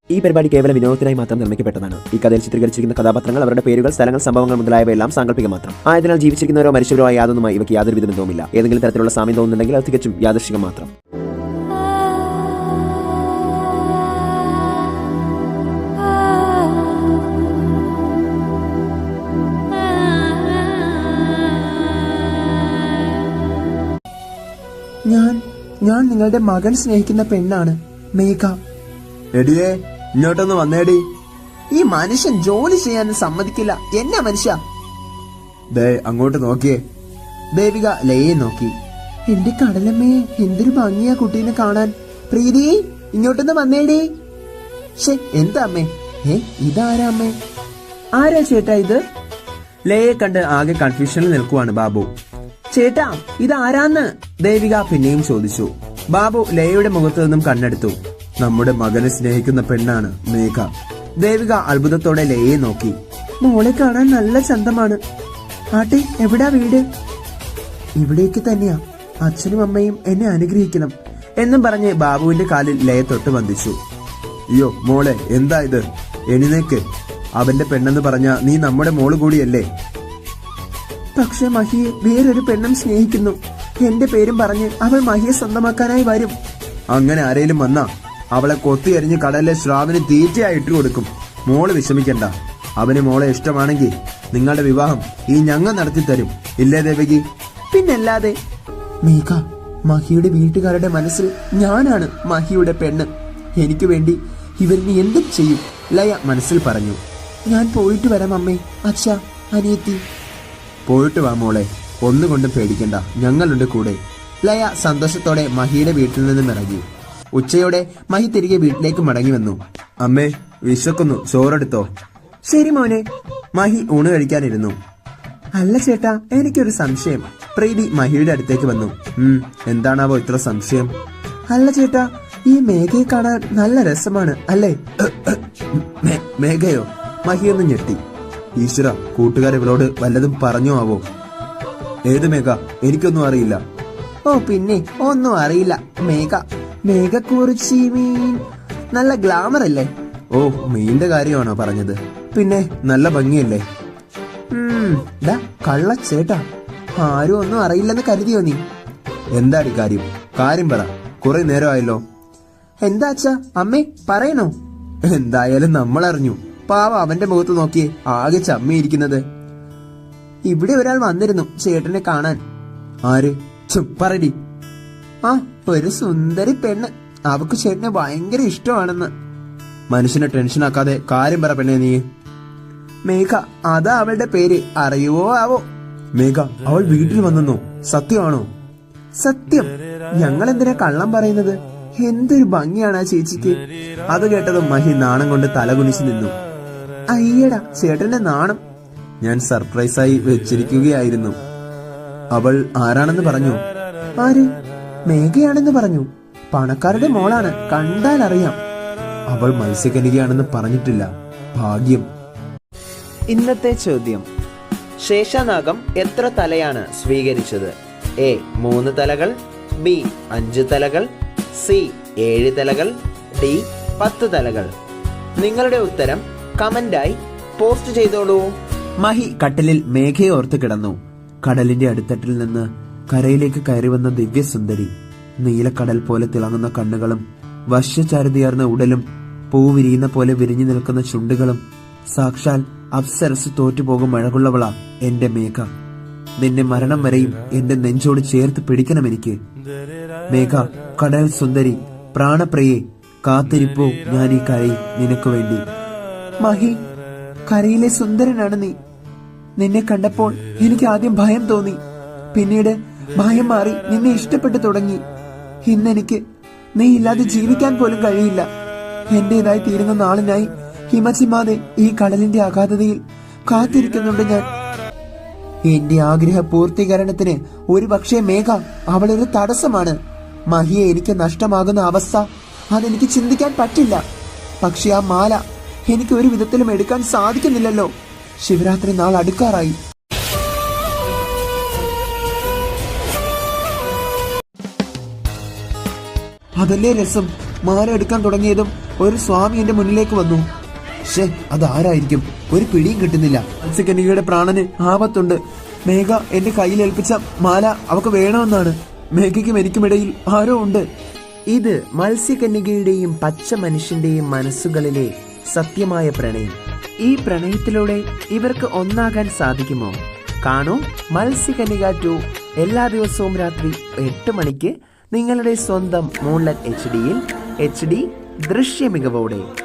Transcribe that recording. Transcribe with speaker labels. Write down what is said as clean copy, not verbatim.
Speaker 1: ഈ പരിപാടി കേവല വിനോദത്തിനായി മാത്രം നിർമ്മിക്കപ്പെട്ടതാണ്. ഈ കഥയിൽ ചിത്രീകരിച്ചിരിക്കുന്ന കഥാപാത്രങ്ങൾ, അവരുടെ പേരുകൾ, സ്ഥലങ്ങൾ, സംഭവങ്ങൾ മുതലായവയെല്ലാം സാങ്കല്പിക മാത്രം ആയതിനാൽ ജീവിച്ചിരിക്കുന്നവരോ മരിച്ചവരോ ആയ യാതൊന്നുമായി ഇവയ്ക്ക് യാതൊരു വിധ ബന്ധവുമില്ല. ഏതെങ്കിലും തരത്തിലുള്ള സാമ്യം തോന്നുന്നുണ്ടെങ്കിൽ അത് തികച്ചും യാദൃശ്ചികം മാത്രം.
Speaker 2: ഞാൻ നിങ്ങളുടെ മകൻ സ്നേഹിക്കുന്ന പെണ്ണാണ് മേഘ.
Speaker 3: എടിയേ, ഇങ്ങോട്ടൊന്ന് വന്നേടി.
Speaker 2: ഈ മനുഷ്യൻ ജോലി ചെയ്യാൻ സമ്മതിക്കില്ല. എന്നാ മനുഷ്യ?
Speaker 3: ദേ അങ്ങോട്ട് നോക്കിയേ.
Speaker 2: ദേവിക ലയെ നോക്കി. എന്റെ കടലമ്മേ, എന്തൊരു ഭംഗിയാ കുട്ടീനെ കാണാൻ. പ്രീതി, ഇങ്ങോട്ടൊന്ന് വന്നേടി. എന്താ അമ്മേ? ഇതാരാ അമ്മേ? ആരാ ചേട്ടാ ഇത്?
Speaker 3: ലയെ കണ്ട് ആകെ കൺഫ്യൂഷനിൽ നിൽക്കുവാണ് ബാബു.
Speaker 2: ചേട്ടാ, ഇതാരാന്ന്
Speaker 3: ദേവിക പിന്നെയും ചോദിച്ചു. ബാബു ലയയുടെ മുഖത്തു നിന്നും കണ്ണെടുത്തു. നമ്മുടെ മകനെ സ്നേഹിക്കുന്ന പെണ്ണാണ് മേഘ. ദേവിക അത്ഭുതത്തോടെ ലയയെ നോക്കി.
Speaker 2: മോളെ കാണാൻ നല്ല ചന്തമാണ്. ആട്ടെ, എവിടാ വീട്? ഇവിടേക്ക് തന്നെയാ. അച്ഛനും അമ്മയും എന്നെ അനുഗ്രഹിക്കണം
Speaker 3: എന്നും പറഞ്ഞ് ബാബുവിന്റെ കാലിൽ ലയ തൊട്ട് വന്ദിച്ചു. അയ്യോ മോളെ, എന്താ ഇത്? എഴുന്നേക്ക്. അവന്റെ പെണ്ണെന്ന് പറഞ്ഞ നീ നമ്മുടെ മോള് കൂടിയല്ലേ?
Speaker 2: പക്ഷെ മഹിയെ വേറൊരു പെണ്ണും സ്നേഹിക്കുന്നു. എന്റെ പേരും പറഞ്ഞ് അവൾ മഹിയെ സ്വന്തമാക്കാനായി വരും.
Speaker 3: അങ്ങനെ ആരേലും വന്നാ അവളെ കൊത്തിയരിഞ്ഞ് കടലിലെ ശ്രാവിന് തീറ്റയായി ഇട്ടുകൊടുക്കും. മോള് വിഷമിക്കണ്ട. അവന് മോളെ ഇഷ്ടമാണെങ്കിൽ നിങ്ങളുടെ വിവാഹം ഈ ഞങ്ങൾ നടത്തിത്തരും. ഇല്ലേ ദേവകി?
Speaker 2: പിന്നല്ലാതെ. മേഘ, മഹിയുടെ വീട്ടുകാരുടെ മനസ്സിൽ ഞാനാണ് മഹിയുടെ പെണ്ണ്. എനിക്ക് വേണ്ടി ഇവരിന് എന്തും ചെയ്യും, ലയ മനസ്സിൽ പറഞ്ഞു. ഞാൻ പോയിട്ട് വരാം അമ്മേ, അച്ഛാ, അനിയത്തി.
Speaker 3: പോയിട്ട് വാ മോളെ, ഒന്നുകൊണ്ടും പേടിക്കണ്ട, ഞങ്ങളുണ്ട് കൂടെ. ലയ സന്തോഷത്തോടെ മഹിയുടെ വീട്ടിൽ നിന്നും ഇറങ്ങി. ഉച്ചയോടെ മഹി തിരികെ വീട്ടിലേക്ക് മടങ്ങി വന്നു. അമ്മേ, വിശക്കുന്നു, ചോറെടുത്തോ?
Speaker 2: ശരി മോനെ.
Speaker 3: മഹി ഊണ് കഴിക്കാനിരുന്നു.
Speaker 2: അല്ല ചേട്ടാ, എനിക്കൊരു സംശയം.
Speaker 3: പ്രീതി മഹിയുടെ അടുത്തേക്ക് വന്നു. എന്താണാവോ ഇത്ര സംശയം?
Speaker 2: അല്ല ചേട്ടാ, ഈ മേഘയെ കാണാൻ നല്ല രസമാണ് അല്ലേ?
Speaker 3: മേഘയോ? മഹിയൊന്ന് ഞെട്ടി. ഈശ്വര, കൂട്ടുകാർ ഇവളോട് വല്ലതും പറഞ്ഞോ ആവോ? ഏത് മേഘ? എനിക്കൊന്നും അറിയില്ല.
Speaker 2: ഓ പിന്നെ ഒന്നും അറിയില്ല. മേഘക്കുറിച്ചി മീൻ നല്ല ഗ്ലാമർ അല്ലേ?
Speaker 3: ഓ, മീന്റെ കാര്യമാണോ പറഞ്ഞത്? പിന്നെ നല്ല ഭംഗിയല്ലേ?
Speaker 2: കള്ളച്ചേട്ടാ, ആരും ഒന്നും അറിയില്ലെന്ന് കരുതിയോ നീ?
Speaker 3: എന്താടി കാര്യം? കാര്യം പറ, കുറെ നേരമായല്ലോ.
Speaker 2: എന്താ അച്ഛാ? അമ്മേ പറയണോ?
Speaker 3: എന്തായാലും നമ്മൾ അറിഞ്ഞു. പാവ അവന്റെ മുഖത്ത് നോക്കിയേ, ആകെ ചമ്മിയിരിക്കുന്നത്.
Speaker 2: ഇവിടെ ഒരാൾ വന്നിരുന്നു ചേട്ടനെ കാണാൻ.
Speaker 3: ആര്? പറടി.
Speaker 2: ആ, ഒരു സുന്ദരി പെണ്ണ്. അവക്ക് ചേട്ടനെ ഭയങ്കര ഇഷ്ടമാണെന്ന്.
Speaker 3: മനുഷ്യനെ ടെൻഷനാക്കാതെ കാര്യം പറ പെണ്ണേ നീ.
Speaker 2: മേഘ, അതാ അവളുടെ പേര്. അറിയുവോ ആവോ?
Speaker 3: മേഘ, അവൾ വീട്ടിൽ വന്നെന്നോ? സത്യമാണോ?
Speaker 2: സത്യം. ഞങ്ങൾ എന്തിനാ കള്ളം പറയുന്നത്? എന്തൊരു ഭംഗിയാണ് ആ ചേച്ചിക്ക്.
Speaker 3: അത് കേട്ടതും മഹി നാണം കൊണ്ട് തലകുനിച്ചു നിന്നു.
Speaker 2: അയ്യടാ, ചേട്ടന്റെ നാണം.
Speaker 3: ഞാൻ സർപ്രൈസായി വെച്ചിരിക്കുകയായിരുന്നു. അവൾ ആരാണെന്ന് പറഞ്ഞു?
Speaker 2: ആര്? മേഘയാണെന്ന് പറഞ്ഞു. പണക്കാരുടെ മോളാണ്, കണ്ടാൽ അറിയാം.
Speaker 3: അവൾ മത്സ്യകന്യകയാണെന്ന് പറഞ്ഞിട്ടില്ല. ഭാഗ്യം.
Speaker 1: ഇന്നത്തെ ചോദ്യം: ശേഷനാഗം എത്ര തലയാണ് സ്വീകരിച്ചത്? എ 3 തലകൾ, ബി 5 തലകൾ, സി 7 തലകൾ, ഡി 10 തലകൾ. നിങ്ങളുടെ ഉത്തരം കമന്റായി പോസ്റ്റ് ചെയ്തോളൂ.
Speaker 3: മഹി കട്ടിലിൽ മേഘയെ ഓർത്ത് കിടന്നു. കടലിന്റെ അടിത്തട്ടിൽ നിന്ന് കരയിലേക്ക് കയറി വന്ന ദിവ്യസുന്ദരി. നീലക്കടൽ പോലെ തിളങ്ങുന്ന കണ്ണുകളും വശ്യചാരുതയാർന്ന ഉടലും പൂവിരിയുന്ന പോലെ വിരിഞ്ഞു നിൽക്കുന്ന ചുണ്ടുകളും. സാക്ഷാൽ അപ്സരസ് തോറ്റുപോകും അഴകുള്ളവളാ എന്റെ മേഘ. നിന്നെ മരണം വരെയും എന്റെ നെഞ്ചോട് ചേർത്ത് പിടിക്കണം എനിക്ക്. മേഘ, കടൽ സുന്ദരി, പ്രാണപ്രിയെ, കാത്തിരിപ്പോ ഞാൻ ഈ കരയിൽ നിനക്ക് വേണ്ടി.
Speaker 2: മഹി, കരയിലെ സുന്ദരനാണ് നീ. നിന്നെ കണ്ടപ്പോൾ എനിക്ക് ആദ്യം ഭയം തോന്നി. പിന്നീട് ഭയം മാറി നിന്നെ ഇഷ്ടപ്പെട്ടു തുടങ്ങി. ഇന്നെനിക്ക് നീ ഇല്ലാതെ ജീവിക്കാൻ പോലും കഴിയില്ല. എന്റേതായി തീരുന്ന നാളിനായി ഹിമചിമാതെ ഈ കടലിന്റെ അഗാധതയിൽ കാത്തിരിക്കുന്നുണ്ട് ഞാൻ. എന്റെ ആഗ്രഹ പൂർത്തീകരണത്തിന് ഒരു പക്ഷേ മേഘ അവളൊരു തടസ്സമാണ്. മഹിയെ എനിക്ക് നഷ്ടമാകുന്ന അവസ്ഥ അതെനിക്ക് ചിന്തിക്കാൻ പറ്റില്ല. പക്ഷെ ആ മാല എനിക്ക് ഒരു വിധത്തിലും എടുക്കാൻ സാധിക്കുന്നില്ലല്ലോ. ശിവരാത്രി നാൾ അടുക്കാറായി. അതല്ലേ രസം. മാല എടുക്കാൻ തുടങ്ങിയതും ഒരു സ്വാമി എന്റെ മുന്നിലേക്ക് വന്നു.
Speaker 3: അതാരായിരിക്കും? ഒരു പിടിയും കിട്ടുന്നില്ല.
Speaker 2: മത്സ്യകന്യകയുടെ പ്രാണന് ആപത്തുണ്ട്. മേഘ എന്റെ കയ്യിൽ ഏൽപ്പിച്ച മാല അവക്ക് വേണമെന്നാണ്. മേഘയ്ക്കും എനിക്കുമിടയിൽ ആരോ ഉണ്ട്.
Speaker 3: ഇത് മത്സ്യകന്യകയുടെയും പച്ച മനുഷ്യന്റെയും മനസ്സുകളിലെ സത്യമായ പ്രണയം. ഈ പ്രണയത്തിലൂടെ ഇവർക്ക് ഒന്നാകാൻ സാധിക്കുമോ? കാണൂ മത്സ്യകന്യക 2 എല്ലാ ദിവസവും രാത്രി 8 മണിക്ക് നിങ്ങളുടെ സ്വന്തം മൂൺലൈറ്റ് HD-യിൽ HD ദൃശ്യ മികവോടെ.